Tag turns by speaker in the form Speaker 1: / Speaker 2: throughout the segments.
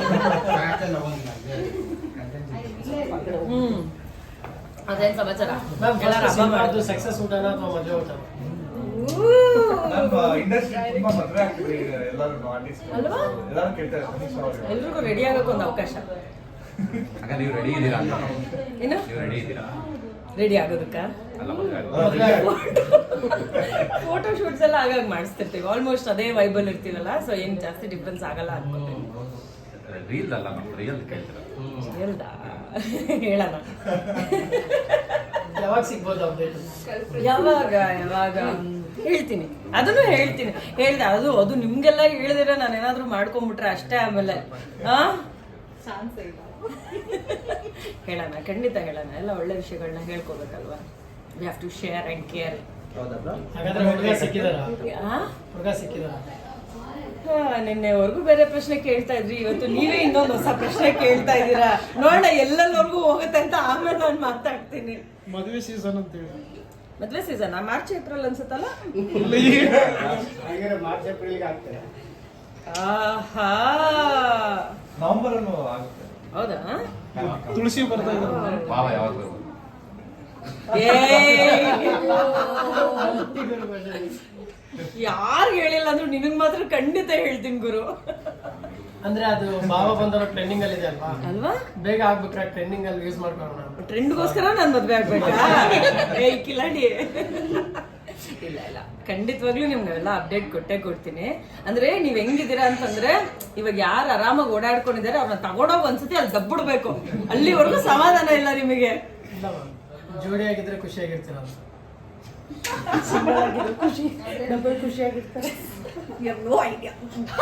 Speaker 1: ಅದೇನ್ ಸಮಾಚಾರ?
Speaker 2: ಸಕ್ಸಸ್ ಊಟನ ಅಥವಾ ಮದುವೆ ಊಟ?
Speaker 1: ಅಲ್ವಾ? ಎಲ್ರಿಗೂ ರೆಡಿ ಆಗಕ್ಕೆ ಒಂದು ಅವಕಾಶ.
Speaker 3: ನೀವು ರೆಡಿ ಇದ್ದೀರಾ?
Speaker 1: ಏನು
Speaker 3: ರೆಡಿ ಇದ್ದೀರಾ
Speaker 1: ರೆಡಿ ಆಗೋದಕ್ಕ? ಫೋಟೋ ಶೂಟ್ಸ್ ಎಲ್ಲ ಆಗಾಗ ಮಾಡಿಸ್ತಿರ್ತೀವಿ. ಆಲ್ಮೋಸ್ಟ್ ಅದೇ ವೈಬಲ್ ಇರ್ತೀವಲ್ಲ, ಸೊ ಏನ್ ಜಾಸ್ತಿ ಡಿಫ್ರೆನ್ಸ್ ಆಗಲ್ಲ ಅನ್ಕೋತೀನಿ.
Speaker 3: ರೀಲ್ ಅಲ್ಲ, ರಿಯಲ್ ಕೇಳ್ತೀರಾ?
Speaker 1: ಹೇಳ್ದ ಹೇಳೋಣ.
Speaker 2: ಯಾವಾಗ ಸಿಗ್ಬೋದು ಅಪ್ಡೇಟ್?
Speaker 1: ಯಾವಾಗ ಹೇಳ್ತೀನಿ, ಅದನ್ನು ಹೇಳ್ತೀನಿ. ಹೇಳ್ದೆ ಅದು ನಿಮ್ಗೆಲ್ಲ ಹೇಳಿದ್ರೆ ನಾನು ಏನಾದ್ರು ಮಾಡ್ಕೊಂಡ್ಬಿಟ್ರೆ ಅಷ್ಟೇ. ಆಮೇಲೆ ಹೇಳೋಣ, ಖಂಡಿತ ಹೇಳೋಣ. ಎಲ್ಲ ಒಳ್ಳೆ ವಿಷಯಗಳನ್ನ ಹೇಳ್ಕೋಬೇಕಲ್ವಾ. We have to share and care.
Speaker 2: ಹಾಗಾದ್ರೆ ಹುಡುಗ ಸಿಕ್ಕಿದಾರಾ? ಹುಡುಗ ಸಿಕ್ಕಿದಾರಾ?
Speaker 1: ನಿನ್ನೆವರೆಗೂ ಬೇರೆ ಪ್ರಶ್ನೆ ಕೇಳ್ತಾ ಇದ್ರಿ, ಇವತ್ತು ನೀವೇ ಇನ್ನೊಂದು ಹೊಸ ಪ್ರಶ್ನೆ ಕೇಳ್ತಾ ಇದ್ದೀರಾ. ನೋಡೋಣ ಎಲ್ಲೆಲ್ಲವರೆಗೂ ಹೋಗುತ್ತೆ ಅಂತ ಆಮೇಲೆ ನಾನು ಮಾತಾಡ್ತೀನಿ.
Speaker 4: ಮದುವೆ ಸೀಸನ್ ಅಂತ ಹೇಳಿ.
Speaker 1: ಮದುವೆ ಸೀಸನ್ ಮಾರ್ಚ್ ಏಪ್ರಿಲ್ ಅನ್ಸುತ್ತಲ್ಲ?
Speaker 2: ಮಾರ್ಚ್ ಏಪ್ರಿಲ್ಗೆ ಆಗ್ತದೆ.
Speaker 1: ಆಹಾ,
Speaker 5: ನವೆಂಬರ್ ಅನ್ನು ಆಗುತ್ತೆ.
Speaker 1: ಹೌದಾ?
Speaker 4: ತುಳಸಿ ಬರ್ತಾ ಇದ್ದಾರೆ.
Speaker 3: ಭಾವ ಯಾವಾಗ ಬರ್ಬೋದು?
Speaker 1: ಯಾರು ಹೇಳಿಲ್ಲ ಅಂದ್ರೂ ನಿನಗ್ ಮಾತ್ರ ಖಂಡಿತ ಹೇಳ್ತೀನಿ ಗುರು.
Speaker 2: ಅಂದ್ರೆ ಅದು ಭಾವ ಬಂದವರು ಟ್ರೆಂಡಿಂಗ್ ಅಲ್ಲಿ ಇದೆ ಅಲ್ವಾ?
Speaker 1: ಅಲ್ವಾ?
Speaker 2: ಬೇಗ ಆಗ್ಬೇಕಾ ಟ್ರೆಂಡಿಂಗ್ ಅಲ್ಲಿ ಯೂಸ್ ಮಾಡ್ಕೊಳ್ಳೋಣ.
Speaker 1: ಟ್ರೆಂಡ್ಗೋಸ್ಕರ ನಾನು ಮದ್ವೆ ಆಗ್ಬೇಕಾ? ಕಿಲಾಡಿ. ಇಲ್ಲ ಇಲ್ಲ, ಖಂಡಿತವಾಗ್ಲೂ ನಿಮ್ಗೆಲ್ಲ ಅಪ್ಡೇಟ್ ಕೊಟ್ಟೇ ಕೊಡ್ತೀನಿ. ಅಂದ್ರೆ ನೀವ್ ಹೆಂಗಿದ್ದೀರಾ ಅಂತಂದ್ರೆ, ಇವಾಗ ಯಾರು ಆರಾಮಾಗಿ ಓಡಾಡ್ಕೊಂಡಿದ್ದಾರೆ ಅವ್ರನ್ನ ತಗೊಂಡೋಗಿ ಒಂದ್ಸತಿ ಅಲ್ಲಿ ದಬ್ಬಿಡ್ಬೇಕು. ಅಲ್ಲಿವರೆಗೂ ಸಮಾಧಾನ ಇಲ್ಲ ನಿಮಗೆ.
Speaker 2: ಜೋಡಿ ಆಗಿದ್ರೆ ಖುಷಿಯಾಗಿರ್ತೀರ ಅಂತ.
Speaker 1: ಖುಷಿ ಡಬಲ್ ಖುಷಿಯಾಗಿರ್ತಾರೆ. No idea.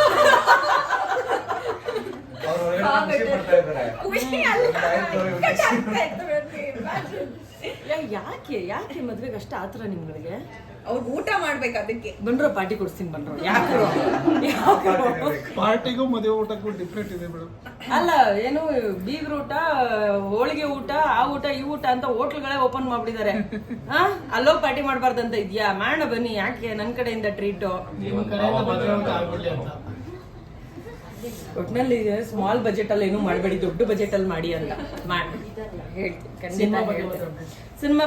Speaker 1: ಯಾಕೆ ಮದ್ವೆಗೆ ಅಷ್ಟ ಆತರ ನಿಮ್ಗಳಿಗೆ?
Speaker 6: ಅವ್ರು ಊಟ ಮಾಡ್ಬೇಕು, ಅದಕ್ಕೆ
Speaker 1: ಬಂದ್ರು ಪಾರ್ಟಿ ಕೊಡ್ತೀನಿ. ಬಂದ್ರು ಯಾಕೆ
Speaker 4: ಪಾರ್ಟಿಗೂ ಮದುವೆ ಊಟಕ್ಕೂ ಡಿಫ್ರೆಂಟ್ ಇದೆ ಮೇಡಮ್.
Speaker 1: ಅಲ್ಲ, ಏನು ಬೀಗ್ರ ಊಟ, ಹೋಳಿಗೆ ಊಟ, ಆ ಊಟ ಈ ಊಟ ಅಂತ ಹೋಟ್ಲ್ಗಳೇ ಓಪನ್ ಮಾಡ್ಬಿಟ್ಟಿದ್ದಾರೆ. ಅಲ್ಲೋ ಪಾರ್ಟಿ ಮಾಡ್ಬಾರ್ದಂತ ಇದ್ಯಾ? ಮಾಡೋಣ ಬನ್ನಿ, ಯಾಕೆ ನನ್ನ ಕಡೆಯಿಂದ ಟ್ರೀಟು.
Speaker 2: ನಿಮ್ಮ ಕಡೆಯಿಂದ ಮದುವೆ ಊಟ ಆಗ್ಬಿಡ್ಲಿ ಅಂತ.
Speaker 1: ಒಟ್ನಲ್ಲಿ ಸ್ಮಾಲ್ ಬಜೆಟ್ ಅಲ್ಲಿ ಏನು ಮಾಡಬೇಡಿ, ದೊಡ್ಡ ಬಜೆಟ್ ಅಲ್ಲಿ ಮಾಡಿ ಅಂತ ಹೇಳ್ತೀನಿ. ಖಂಡಿತ ಸಿನಿಮಾ